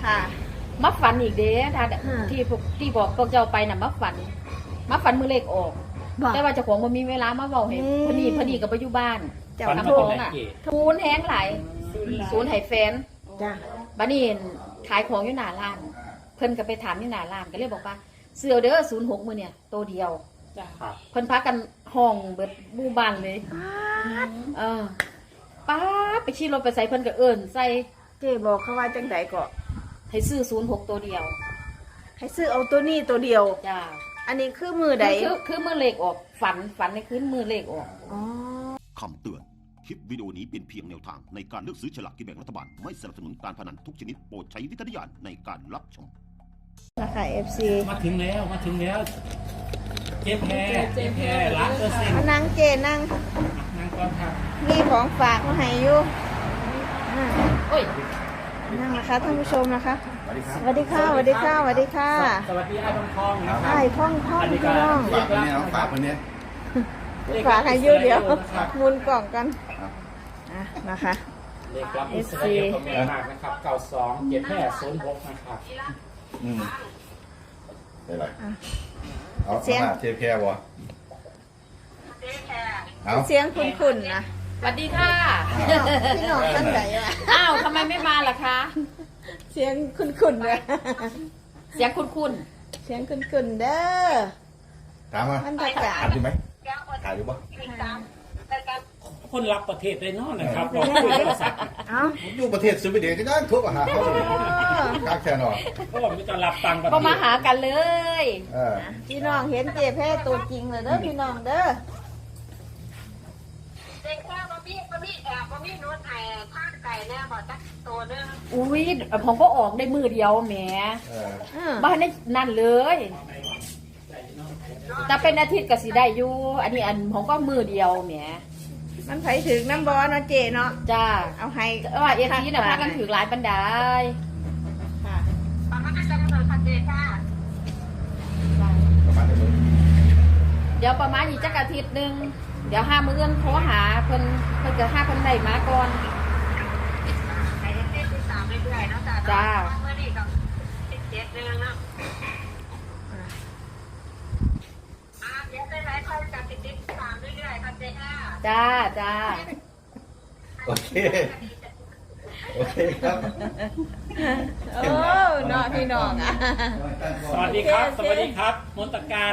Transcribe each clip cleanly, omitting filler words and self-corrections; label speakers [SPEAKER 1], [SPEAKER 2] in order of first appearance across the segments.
[SPEAKER 1] ค่ะ
[SPEAKER 2] มาฝันอีกเด้ถ้าที่บอกพวกเจ้าไปน่ะมาฝันมือเลขออกแต่ว่าเจ้าของมันมีเวลามาเว้าให้พอดีกับปัจจุบัน
[SPEAKER 1] เจ้า
[SPEAKER 2] ทำของอ่ะทูนแห้งหลายศูนย์ให้แฟน
[SPEAKER 1] จ้ะ
[SPEAKER 2] บัดนี้ขายของอยู่หน้าร้าน เพิ่นก็ไปถามอยู่หน้าร้านก็เลยบอกว่าเสื้อเด้อ06มื้อเนี่ยตัวเดียวเพิ่นพากันห้องเบิดหมู่บ้านเลยป้าไปขี่รถไปใส่เพิ่นก็เอิ้นใส่
[SPEAKER 1] เจ๊บอกเขาว่าจังไดก็
[SPEAKER 2] ให้ซื้อ06ตัวเดียว
[SPEAKER 1] ให้ซื้อเอาตัวนี้ตัวเดียว
[SPEAKER 2] จ้า
[SPEAKER 1] อันนี้คือมือใด
[SPEAKER 2] คือมือเลขออกฝันในคืนมือเลขออก
[SPEAKER 1] อ๋อ
[SPEAKER 3] คำเตือน คลิปวิดีโอนี้เป็นเพียงแนวทางในการเลือกซื้อฉลากกินแบ่งรัฐบาล ไม่สนับสนุนการพนันทุกชนิดโปรดใช้วิจารณญาณในการรับชม
[SPEAKER 1] นะคะ FC
[SPEAKER 4] มาถึงแล้วเจ๊แพร100%
[SPEAKER 1] มานั่งเจนั่ง
[SPEAKER 4] นั่งก่อนครับ
[SPEAKER 1] มีของฝากมาให้อยู่อ่า
[SPEAKER 2] โอ้ย
[SPEAKER 1] นั่งนะคะท่านผู้ชมนะคะสวัสดีค่ะสวัสดีค่ะสวัสดีค่ะ
[SPEAKER 4] สวัสดีไอ้ทองนะครั
[SPEAKER 1] ไอ้พ่องพี่น้อง
[SPEAKER 5] ฝากคนนี้น้องฝากคนนี้
[SPEAKER 1] ฝากให้อยู่เดี๋ยวหมุนกล่องกันนะคะ
[SPEAKER 4] เลขรับอิสราเอลก็แม่มากนะครับ92เจ๊แพร06นะครับ
[SPEAKER 5] ได้ไรเอาสมาเทแค่วะเอา
[SPEAKER 1] เสียงคุ้นๆนะ
[SPEAKER 2] สวัสดีค่ะ
[SPEAKER 1] พี่น้องท่านไหนอ่ะ
[SPEAKER 2] อ้าวทำไมไม่มาล่ะคะ
[SPEAKER 1] เสียงคุ้นๆเลย
[SPEAKER 2] เสียงคุ้น
[SPEAKER 1] เสียงคุ้นๆเด้อ
[SPEAKER 5] ถามมา
[SPEAKER 1] บรรยากาศ
[SPEAKER 5] ถามอยู่ไหมถามอยู่ปะ
[SPEAKER 4] คนรับประเทศเลยเนาะนะครับบอกคุยโทรศัพท์
[SPEAKER 1] เอ้า
[SPEAKER 5] ผมอยู่ประเทศสวีเดนก็ได้ทุบอาหารเขาเลยกากแค่นอน
[SPEAKER 4] เพราะว่ามันจะรับตังค์ประ
[SPEAKER 2] ๆ
[SPEAKER 4] เท
[SPEAKER 2] ก็
[SPEAKER 4] ศ
[SPEAKER 2] มาหากันเลย
[SPEAKER 1] พี่น้องเห็นเจ๊แพ้ตัวจริงเลยเด้อพี่น้องเด้อ
[SPEAKER 6] เด็กแค่บะมี่นู้นไอ้ข้างไก่เนี่ยบอกจักตัวนึง
[SPEAKER 2] อุ้ยผมก็ออกได้มือเดียวแหมบ้านได้นั่นเลยแต่เป็นอาทิตย์ก็สิได้อยู่อันนี้ผมก็มือเดียวแหม
[SPEAKER 1] มันไผถึงน้ำบอเนาะเจเนาะ
[SPEAKER 2] จ้า
[SPEAKER 1] เอาให้
[SPEAKER 2] ว่าเอทีน่ะพากันถือหลายบันได
[SPEAKER 1] ค่ะ
[SPEAKER 6] ประมาณจะกำหนดพันเดค่ะ
[SPEAKER 5] ประมาณนี้
[SPEAKER 2] เดี๋ยวประมาณอีกจักอาทิตย์หนึงเดี๋ยว5 มื้อโทรหาเพิ่นจะหาเพิ่นได้มาก่อน
[SPEAKER 6] ไอ้เต้นที่3เรื่อยๆเนาะจ้าเมื่อนี้กับ17เดือนเนาะเดี๋ยวได้หลายคนจาก17 3เรื่อยๆพันเดค่ะ
[SPEAKER 2] จ้า
[SPEAKER 5] โอเคโอเคครับ
[SPEAKER 1] โอ้เนาะพี่น้องอ่ะ
[SPEAKER 4] สวัสดีครับมนตการ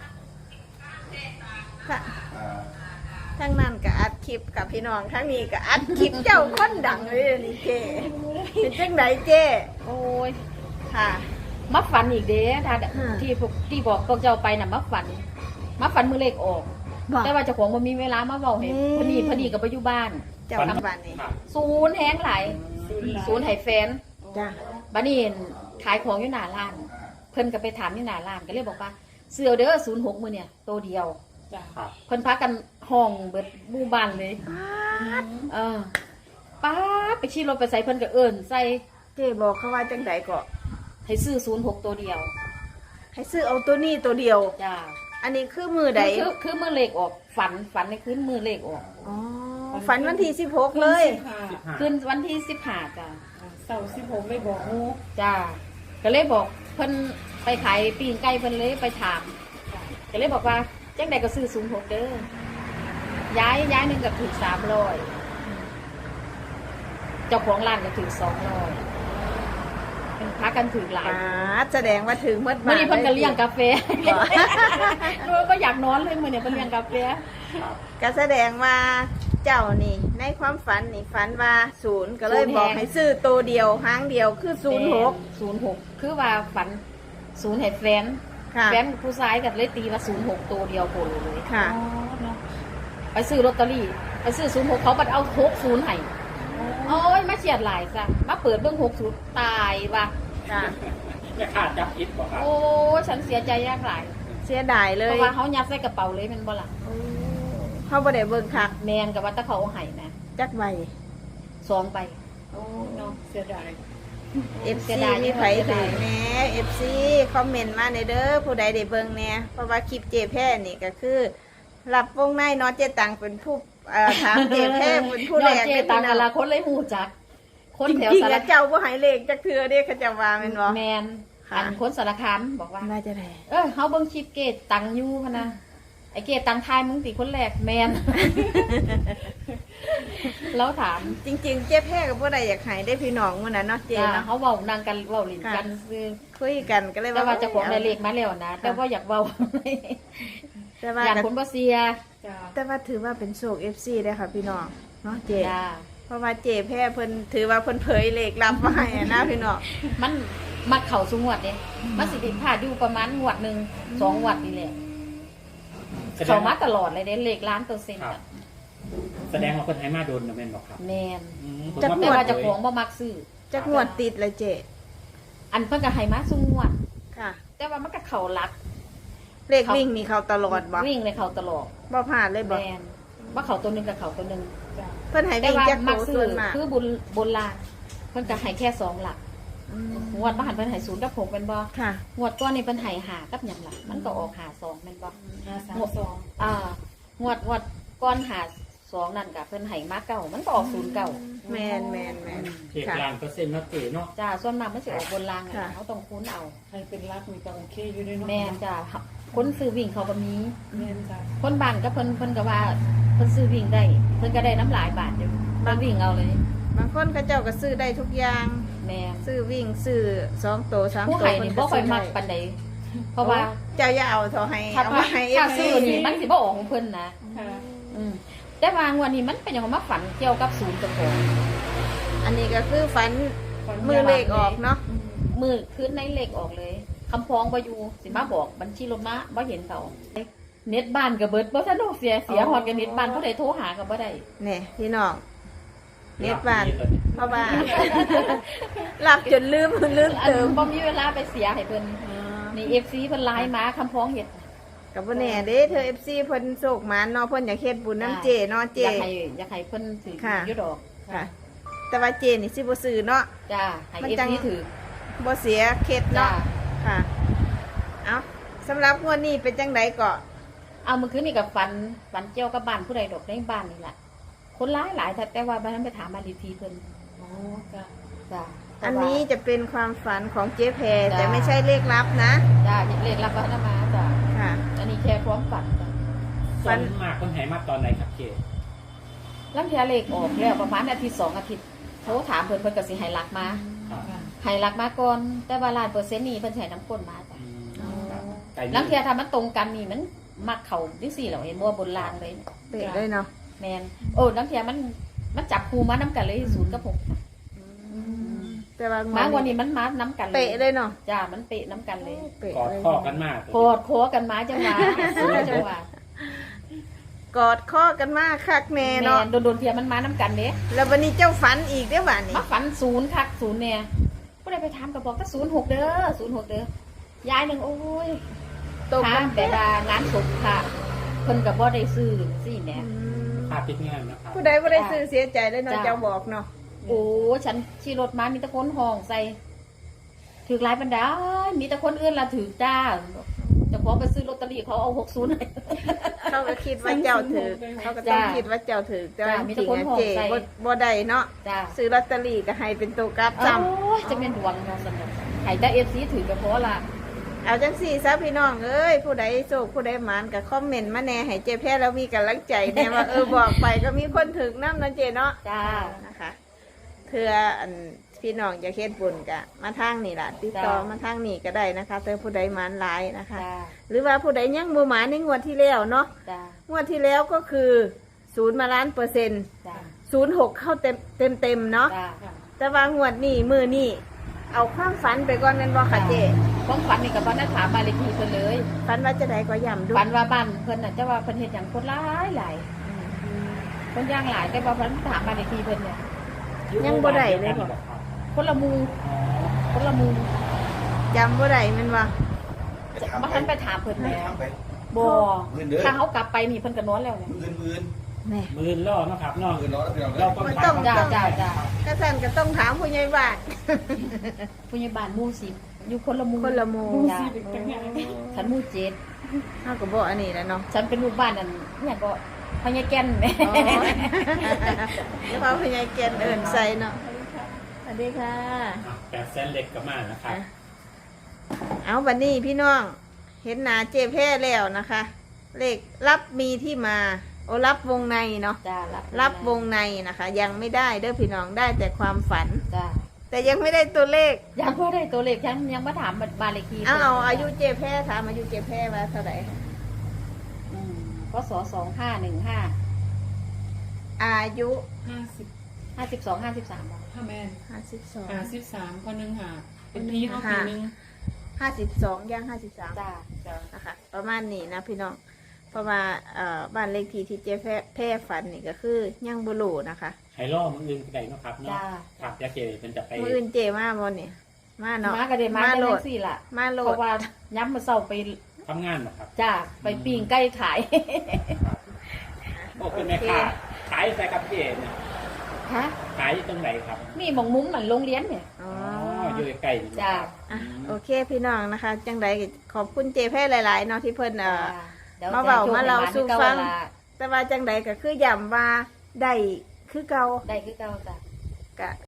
[SPEAKER 1] ค่ะทั้งนั้นก็อัดคลิปกับพี่น้องทั้งนี้ก็อัดคลิปเจ้าคนดังเลยนี่เจเป็นจังไหนเจ
[SPEAKER 2] โอ้ย
[SPEAKER 1] ค่ะ
[SPEAKER 2] มาฝันอีกเด้ถ้าที่บอกพวกเจ้าไปน่ะมาฝันมือเลขออก
[SPEAKER 1] บอก
[SPEAKER 2] แต่ว่าเจ้าของมันมีเวลามาเว้าให้พอดีกับปัจจุบัน
[SPEAKER 1] เจ้าทำบ้านนี่
[SPEAKER 2] ศูนย์แห้งหลายศูนย์ให้แฟน
[SPEAKER 1] จ้ะ
[SPEAKER 2] บัดนี้ขายของอยู่หน้าร้าน เพิ่นก็ไปถามอยู่หน้าร้านก็เลยบอกว่าเสื้อเด้อ06มื้อเนี่ยตัวเดียว
[SPEAKER 4] ครับ
[SPEAKER 2] เพิ่นพากันห้องเบิดหมู่บ้านเลยป้าไปขี่รถไปใส่เพิ่นก็เอิ้นใส่
[SPEAKER 1] เจบอกเขาว่าจังไดก็
[SPEAKER 2] ให้ซื้อ06ตัวเดียว
[SPEAKER 1] ให้ซื้อเอาตัวนี้ตัวเดียว
[SPEAKER 2] จ้า
[SPEAKER 1] อันนี้คือมือใด
[SPEAKER 2] คือมือเลขออกฝันในคืนมือเลขออก
[SPEAKER 1] อ๋อฝันวันที่16เลย
[SPEAKER 2] คืนวันที่15จ้า
[SPEAKER 4] เสาร์16ไม่บอกงู
[SPEAKER 2] จ้าก็เลยบอกเพิ่นไปขายปีงไก่เพิ่นเลยไปถามก็เลยบอกว่าจังใดก็ซื้อ06เด้อย้ายหนึงก็ถูก300เจ้าของร้านก็ถูก200เป็นพากันถือหลาย
[SPEAKER 1] แสดงว่าถึงเมื่อ
[SPEAKER 2] มื่อนี้เพิ่นก็เลี้ยงกาแฟรู้ก็อยากนอนเลยมื้อนี้เพิ่นเลี้ยงกาแฟ
[SPEAKER 1] ก็แสดงว่าเจ้านี่ในความฝันนี่ฝันว่า0ก็เลยบอกให้ซื้อตัวเดียวหางเดียวคือ06
[SPEAKER 2] คือว่าฝัน0ให้แฟน
[SPEAKER 1] ค่ะ
[SPEAKER 2] แฟนผู้ชายก็เลยตีว่า06ตัวเดียวโผล่เลย
[SPEAKER 1] ค่ะ
[SPEAKER 2] ไปซื้อลอตเตอรี่ไปซื้อ06เขาบัดเอา60ให้โอ้ยมาเฉียดหลายจ้ะมาเปิดเบิ่ง60ตายว่ะ
[SPEAKER 1] ค่ะ
[SPEAKER 4] ไม่ขาดจับอิดบอกครับ
[SPEAKER 2] โอ้ยฉันเสียใจยากหลาย
[SPEAKER 1] เสียดายเล
[SPEAKER 2] เพ
[SPEAKER 1] ย
[SPEAKER 2] ราะว่าเขายัดใส่กระเป๋าเลยแมันบ่ล่ะ
[SPEAKER 1] เขาบ่ได้เบิ่งคัก
[SPEAKER 2] แมนกับว่าแตะเขาเอาให้นะ
[SPEAKER 1] จักใบ
[SPEAKER 2] 2ใบโอ้เนาะเสียดาย
[SPEAKER 1] FC มีไผถึงแหน่ FC คอมเมนต์มาในเด้อผู้ใดได้เบิ่งแหน่เพราะว่าคลิปเจแพ้นี่ก็คือรับวงในเนาะเจตังเป็นผู้ถามเจแพ้เป็นผู้แรก
[SPEAKER 2] เจตังกะลาคนเลยหูจัก คคน
[SPEAKER 1] จ
[SPEAKER 2] แถว
[SPEAKER 1] ริง
[SPEAKER 2] สา
[SPEAKER 1] ๆ
[SPEAKER 2] ร
[SPEAKER 1] แล้วเจ้าบ่ให้เลขจักเทื่อเด้เขาเจะว่าแม่นบ่
[SPEAKER 2] แมน
[SPEAKER 1] ค่ะ
[SPEAKER 2] อันคนสารคามบอกว่า
[SPEAKER 1] น่าจะได้
[SPEAKER 2] เฮาเบิ่งคลิปเกตตังอยู่พะนะไอเกตตังทายมึงติคนแรกแมน แล้วถาม
[SPEAKER 1] จริงๆเจ๊แพ้ก็บ่ได้อยากให้ได้พี่น้องมื้อนั้นเนาะเจ๊
[SPEAKER 2] จ้า
[SPEAKER 1] เนาะ
[SPEAKER 2] เขาเว้านั่งกันเว้าลิ้นกันซื้อ
[SPEAKER 1] คุยกันก็เลย
[SPEAKER 2] แต่ว่าเจะของได้เลขมาแล้วนะแต่ว่าอยากเว้า
[SPEAKER 1] แต่ว่า
[SPEAKER 2] อยาก
[SPEAKER 1] ก็
[SPEAKER 2] คนบ่เสีย
[SPEAKER 1] แต่ว่าถือว่าเป็นโชค FC เด้อค่ะพี่น้องเนาะเจ๊
[SPEAKER 2] จ้า
[SPEAKER 1] เพราะว่าเจ๊แพ้เพิ่นถือว่าเพิ่นเผยเลขลับมาให้อะนะพี่น้อง
[SPEAKER 2] มันมักเข้าสู่งวดเด้มันสิผิดพลาดอยู่ประมาณงวดหนึง2งวดนี่แหละเข้ามาตลอดเลยเด้เลขล้านเปอร์เซ็นต์
[SPEAKER 4] ครับ
[SPEAKER 2] อะ
[SPEAKER 4] แสดงว่าคนไทยมาโดนนะแม่นบอกครับ
[SPEAKER 2] แมน
[SPEAKER 4] ผม
[SPEAKER 1] จะ
[SPEAKER 2] แต่ว่า
[SPEAKER 4] เปิด
[SPEAKER 2] เจะ
[SPEAKER 4] เผย
[SPEAKER 2] ของบ่มักซื้อ
[SPEAKER 1] จักงวดติดเลยเจ๊
[SPEAKER 2] อันเพิ่นก็ให้มาสู่งวด
[SPEAKER 1] ค่ะ
[SPEAKER 2] แต่ว่ามันก็เข้าหลัก
[SPEAKER 1] เลขวิ่งนี่เขาตลอดบ่
[SPEAKER 2] วิ่งเลยเข้าตลอด
[SPEAKER 1] บ่พลาดเลย
[SPEAKER 2] แม
[SPEAKER 1] บ่
[SPEAKER 2] นว่าเข้าตัวหนึงกับเข้าตัวหนึง
[SPEAKER 1] เพิ่นให้
[SPEAKER 2] แต่
[SPEAKER 1] วิ่ง
[SPEAKER 2] ว่า
[SPEAKER 1] จัก
[SPEAKER 2] มั
[SPEAKER 1] โต
[SPEAKER 2] กซื้
[SPEAKER 1] ส่
[SPEAKER 2] อ
[SPEAKER 1] วนมาก
[SPEAKER 2] คือบุญลางเพิ่นก็ให้แค่2หลักงวดบ่หันเพิ่นให้0กับ6แม่นบ่
[SPEAKER 1] ค่ะ
[SPEAKER 2] งวดก่อนนี่เพิ่นให้5กับหยังล่ะมันก็ออก52แม่นบ่งวดก่อน52นั่นก็เพิ่นให้มาเก้ามันก็ออก09
[SPEAKER 1] แม่น
[SPEAKER 4] เอก
[SPEAKER 1] ค่ะ
[SPEAKER 4] ล้านเปอร์เซ็นต์นะเก๋เนาะ
[SPEAKER 2] จ้าส่วนมากมันสิออกบนราง
[SPEAKER 1] ค่ะ
[SPEAKER 2] อะเขาต้องคุ้นเอา
[SPEAKER 7] ใครเป็นรักมีก็โอเคอยู่ด้วยเนาะ
[SPEAKER 2] แม่นจ้าคนซื้อวิ่งเขาก็มี
[SPEAKER 7] แม่นจ้ะ
[SPEAKER 2] คนบ้านก็เพิ่นก็ว่าเพิ่นซื้อวิ่งได้เพิ่นก็ได้น้ำหลายบาทอยู่บางวิ่งเอาเลย
[SPEAKER 1] บางคนเขาเจ้าก็ซื้อได้ทุกอย่าง
[SPEAKER 2] แม่น
[SPEAKER 1] ซื้อวิ่งซื้อ2โต3
[SPEAKER 2] ผู้
[SPEAKER 1] โต
[SPEAKER 2] ให้นี่บ่ค่อยมักปานใดเพราะว่า
[SPEAKER 1] เจ้าอย่าเอาเท่าให้
[SPEAKER 2] ถ้า
[SPEAKER 1] เอามาให้
[SPEAKER 2] ถ้า
[SPEAKER 1] FC
[SPEAKER 2] ซื้อนี่มันสิบ่ออกของเพิ่นนะ
[SPEAKER 7] ค่ะ
[SPEAKER 2] อืมแต่ว่างวดนี้มันเป็นหยังมาฝันเกี่ยวกับศูนย์ตะโกน
[SPEAKER 1] อันนี้ก็คือฝันมือเลขออกเนาะ
[SPEAKER 2] มือคืนในเลขออกเลยคำพ้องบ่อยู่สิมาบอกบัญชีรถมาบ่เห็นเขาเน็ตบ้านก็เบิดบ่ทันได้เสียฮอดกับเน็ตบ้านผู้ใดโทรหาก็บ่ได้
[SPEAKER 1] เนี่ยพี่น้องเน็ตบ้านเพราะว่าหลับจนลืม
[SPEAKER 2] อัน
[SPEAKER 1] เติม
[SPEAKER 2] บ่มีเวลาไปเสียให้เพิ่นนี่ FC เพิ่นไลน์มาคำพ้องเฮ็ด
[SPEAKER 1] กับบ่แน่เด้เธอ FC เพิ่นโศกหมานเนาะเพิ่นอยากเฮ็ดบุญน้ำเจเนาะเจ
[SPEAKER 2] อยากให้เพิ่นถือ
[SPEAKER 1] ค่ะ
[SPEAKER 2] อยู่ดอก
[SPEAKER 1] ค่ะ แต่ว่าเจนี่สิบ่ซื้อเนาะ
[SPEAKER 2] จ้าให้
[SPEAKER 1] มันจัง
[SPEAKER 2] FC ถือ
[SPEAKER 1] บ่เสียเคล็ด
[SPEAKER 2] จ้า
[SPEAKER 1] เนาะค่ะเอาสำหรับงวดนี้เป็นจังไดก็
[SPEAKER 2] เอามื้อคืนนี่ก็ฝันเกี่ยวกับบ้านผู้ใดดอกในบ้านนี่แหละคนหลายแต่ว่าบ้านนั้นไปถามบ้านเลขที่เพิ่น
[SPEAKER 7] อ๋อจ้ะ
[SPEAKER 2] จ้า
[SPEAKER 1] อันนี้จะเป็นความฝันของเจ๊แพร
[SPEAKER 2] จ้ะ
[SPEAKER 1] แต่ไม่ใช่เลขลับนะ
[SPEAKER 2] จ้าเลขรับวัฒนมาจ้า
[SPEAKER 1] ค่ะ
[SPEAKER 2] อันนี้แค่พร้อมฝันจ้ะ
[SPEAKER 4] ส่วนมากคนไทยมาตอนไหนครับเก๋
[SPEAKER 2] ลังเทียเลขออกแล้วประมาณอาทิตย์2อาทิตย์โทรถามเพิ่นก็สิให้หลักมา
[SPEAKER 4] ครับ
[SPEAKER 2] ให้หลักมาก่อนแต่ว่า100%นี่เพิ่นสิให้น้ำก้นมาจ้ะ
[SPEAKER 4] ครับไก่
[SPEAKER 2] ลังเทียถ้ามันตรงกันนี่มันมักเข้าจังซี่แหล้วเห็นบ่บนรางเลย
[SPEAKER 1] เปะเลยเนาะ
[SPEAKER 2] แม่นโอ้ลังเทียมันจับคู่มานํกันเลย0กับ6
[SPEAKER 1] แต่ว่าง
[SPEAKER 2] มาวั
[SPEAKER 1] วัน น
[SPEAKER 2] นี้มันมานํกันเลย
[SPEAKER 1] เปะเลยเนาะ
[SPEAKER 2] จ้ามันเปะน้ำกันเลย
[SPEAKER 1] เปะ
[SPEAKER 4] กอด
[SPEAKER 1] เลย
[SPEAKER 4] ข้อกันมาก
[SPEAKER 2] โคตรโคกันมาจังหวะจังหวะ
[SPEAKER 1] กอดข้อกันมากคักแน่
[SPEAKER 2] แม่
[SPEAKER 1] เนาะ
[SPEAKER 2] โดนๆเทียมันมาน้ำกันเด้
[SPEAKER 1] แล้ววันนี้เจ้าฝันอีกเด้อบ้านนี้
[SPEAKER 2] มาฝัน0คัก0เนี่ยผู้ใดไปถามก็บอกถ้า06เด้อ06เด้อยายหนึงโอ้ย
[SPEAKER 1] ตรง
[SPEAKER 2] ถา
[SPEAKER 1] กั
[SPEAKER 2] ม
[SPEAKER 1] น
[SPEAKER 2] แต่ว่างานศพค่ะเพิ่นก็บ่ได้ซื้อสิแหม่
[SPEAKER 4] ภาพติดงานนะครับ
[SPEAKER 1] ผู้ใดบ่ได้ซื้อเสียใจเลยเนาะ
[SPEAKER 2] จ้ะ
[SPEAKER 1] เจ้าบอกเนาะ
[SPEAKER 2] โอ้ฉันขี่รถมามีแต่คนห้องใส่ถือหลายบรรดามีแต่คนอื่นละถือจ้าเจ้าของไปซื้อลอตเตอรี่เขาเอา60ให้
[SPEAKER 1] เขาก็คิดว่าเจ้าถือเขาก็ต้อง
[SPEAKER 2] จ้ะ
[SPEAKER 1] คิดว่าเจ้าถือแต่ว่า
[SPEAKER 2] จ้ะมี
[SPEAKER 1] จ
[SPEAKER 2] แต่
[SPEAKER 1] ริง
[SPEAKER 2] คน
[SPEAKER 1] ๆ
[SPEAKER 2] ห่วง
[SPEAKER 1] เจ
[SPEAKER 2] ใส่
[SPEAKER 1] บ่ได้เนาะ
[SPEAKER 2] จ้า
[SPEAKER 1] ซื้อลอตเตอรี่ก็ให้เป็นตัวกราฟ
[SPEAKER 2] โอ้
[SPEAKER 1] ซ้ำ
[SPEAKER 2] ยจะเป็นดวงเนาะสำหรับให้แต่ FC ถือก็พอละ
[SPEAKER 1] เอาจังสี่ซะพี่น้องเอ้ยผู้ใดโศกผู้ใดหมานกับคอมเมนต์มาแน่ให้เจ๊แพ้แล้วมีกำลังใจแน่ว่าบอกไปก็มีคนถึงน้ำนะเจเนาะ
[SPEAKER 2] จ้า
[SPEAKER 1] นะคะเพื่ออันพี่น้องจะเฮ็ดบุญกะมาทางนี่ล่ะติดต่อ
[SPEAKER 2] จ้ะ
[SPEAKER 1] มาทางนี่ก็ได้นะคะแต่ผู้ใดหมานหลายนะคะ
[SPEAKER 2] จ้า
[SPEAKER 1] หรือว่าผู้ใดยังบ่หมานในงวดที่แล้วเนาะ
[SPEAKER 2] จ้าง
[SPEAKER 1] วดที่แล้วก็คือ0มาล้านเปอร์เซ็นต์
[SPEAKER 2] จ้า
[SPEAKER 1] 06เข้าเต็มเนาะ
[SPEAKER 2] จ้า
[SPEAKER 1] แต่ว่างวดนี้มือนี่เอาความฝันไปก่อนแม่นบ่ค่ะเจ
[SPEAKER 2] ความฝันนี่กับบ้านนักถามมานเลขที่เพิ่นเลย
[SPEAKER 1] ฝันว่าจะได้ก็ย่ำดู
[SPEAKER 2] ฝันว่าบ้านเพิ่นน่ะจะว่าเพิ่นเฮ็ดหยังคนหลายคนย่างหลายแต่ว่าเพิ่นถามมานเลขที่เพิ่นเนี่ย
[SPEAKER 1] ยังบ่ได้เลยบ่
[SPEAKER 2] คนละหมูคนละหมู
[SPEAKER 1] จำบ่ได้แม่นบ่
[SPEAKER 2] มาทันไปถามเพิ่นแล้ว
[SPEAKER 5] ถามไป
[SPEAKER 2] บ่
[SPEAKER 5] มื้อเด้อ
[SPEAKER 2] ถ้าเขากลับไปนี่เพิ่นก็นอนแล้วเนี่ย
[SPEAKER 5] มื้อ
[SPEAKER 1] แน่
[SPEAKER 4] มือล่อเนาะครับเนาะ
[SPEAKER 5] มื้อร้อนแล้วพี่น้อง
[SPEAKER 4] เราต้อง
[SPEAKER 1] มัน
[SPEAKER 4] ถา
[SPEAKER 1] ต้
[SPEAKER 4] ม
[SPEAKER 1] อง
[SPEAKER 2] จ้าจ้าจ้า
[SPEAKER 1] ก็สั่นก็ต้องถามผู้ใหญ่บ้าน
[SPEAKER 2] ผู้ใหญ่บ้านหมู่10อยู่คนละหมู่
[SPEAKER 1] คนละหมู่
[SPEAKER 2] จ้าฉันหมู่7
[SPEAKER 1] เฮาก็บ่อันนี้แหล้วเนาะ
[SPEAKER 2] ฉันเป็นลูกบ้านนั่นเนี่ยก็พญาแก่นแหม่
[SPEAKER 1] อ๋อ แล้วพอผู้ใหญ่แกนเอิ้นใส่เนาะวัสดีค่ะ
[SPEAKER 4] 800,000เล็กก็มานะครับ
[SPEAKER 1] เอาวันนี้พี่น้องเห็นหนาเจแพ้แล้วนะคะ เลขรับมีที่มา โอ้รับวงในเนาะ
[SPEAKER 2] จ้า
[SPEAKER 1] รับวงในนะคะ ยังไม่ได้เด้อพี่น้องได้แต่ความฝัน
[SPEAKER 2] จ้า
[SPEAKER 1] แต่ยังไม่ได้ตัวเลข
[SPEAKER 2] ยังบ่ได้ตัวเลขยังมาถามบ้านเลขที่
[SPEAKER 1] เอาอายุเจแพ้ถามอายุเจแพ้ว่าเท่าไหร่
[SPEAKER 2] พศ2515
[SPEAKER 1] อายุ
[SPEAKER 7] 50
[SPEAKER 2] 52 53บาท
[SPEAKER 7] ห้าแมน
[SPEAKER 1] 52
[SPEAKER 7] 53คนหนึงหาเป็นพี่เขาปีนึง
[SPEAKER 1] 52ย่าง53
[SPEAKER 2] จ้า
[SPEAKER 7] จ้ะ
[SPEAKER 1] นะคะประมาณนี้นะพี่น้องเพราะว่าบ้านเลขที่เจแพ้ฝันนี่ก็คือยังบุรูนะคะ
[SPEAKER 4] ไฮล่อมืออื่นก็ได้เนาะครับเนาะ
[SPEAKER 2] จ้า
[SPEAKER 4] ครับยาเกเรเป็นจะไป
[SPEAKER 1] มืออื่นเจมาบนนี่มาเนาะ
[SPEAKER 2] มาก็ได้มา
[SPEAKER 1] โหล
[SPEAKER 2] ได้
[SPEAKER 1] ด
[SPEAKER 2] สิล่ะ
[SPEAKER 1] มาโหล
[SPEAKER 2] เพ
[SPEAKER 1] ด
[SPEAKER 2] ราะว่าย้ำมาเศร้าไป
[SPEAKER 4] ทำงานเหรอครับ
[SPEAKER 2] จ้าไปปิ้งไก่ขาย
[SPEAKER 4] ก็เป็นแม่ค้าขายใส่กับเจเนี่ย
[SPEAKER 2] ฮะ
[SPEAKER 4] ขายตรงไหนครับ
[SPEAKER 2] มีหมองมุ้มเหมือนโรงเรียนเนี่ย
[SPEAKER 1] อ๋อ
[SPEAKER 4] อ๋ออยู่ใกล้ๆนี่
[SPEAKER 2] จ้า
[SPEAKER 1] อ่ะโอเคพี่น้องนะคะ จังใดก็ขอบคุณเจแพ้หลายๆเนาะที่เพิ่น
[SPEAKER 2] ดี๋ยว
[SPEAKER 1] มาเว้า
[SPEAKER 2] จะโชค
[SPEAKER 1] มาเล่า
[SPEAKER 2] ให้
[SPEAKER 1] สู่
[SPEAKER 2] ให้
[SPEAKER 1] ฟัง
[SPEAKER 2] เก่าล่ะ
[SPEAKER 1] แต่ว่าจังใดก็คือย้ำว่าได้คือเก่า
[SPEAKER 2] ได้คือเก่าจ้ะ
[SPEAKER 1] กะ